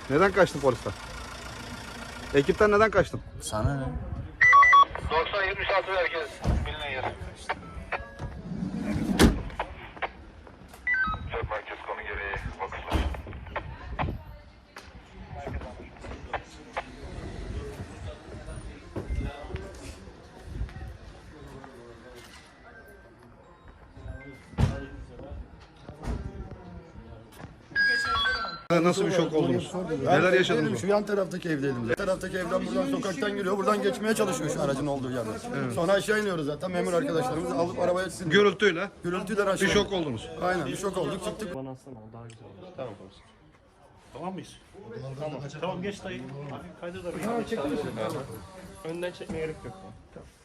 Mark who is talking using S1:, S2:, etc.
S1: Neden kaçtın polisten? Ekipten neden kaçtın?
S2: Sana ne?
S3: 90-76 herkes bilinen yer. Çok merkez konu gereği bakışlar.
S1: Nasıl bir şok oldunuz? Neler yaşadınız?
S4: Şu yan taraftaki evdeydim. Yan taraftaki evden buradan sokaktan giriyor. Buradan geçmeye çalışıyor şu aracın olduğu yerden. Sonra aşağı iniyoruz zaten. Memur arkadaşlarımız alıp arabaya sildi.
S1: Gürültüyle
S4: Gürültüden aşağı.
S1: bir şok oldunuz.
S4: Aynen bir şok olduk. Çıktık.
S5: Bana atsana o daha güzel olur. Tamam komiserim. Tamam mıyız? Tamam. Tamam geç dayı. Hafif kaydır da bir. Önden çekmeye gerek yok. Tamam.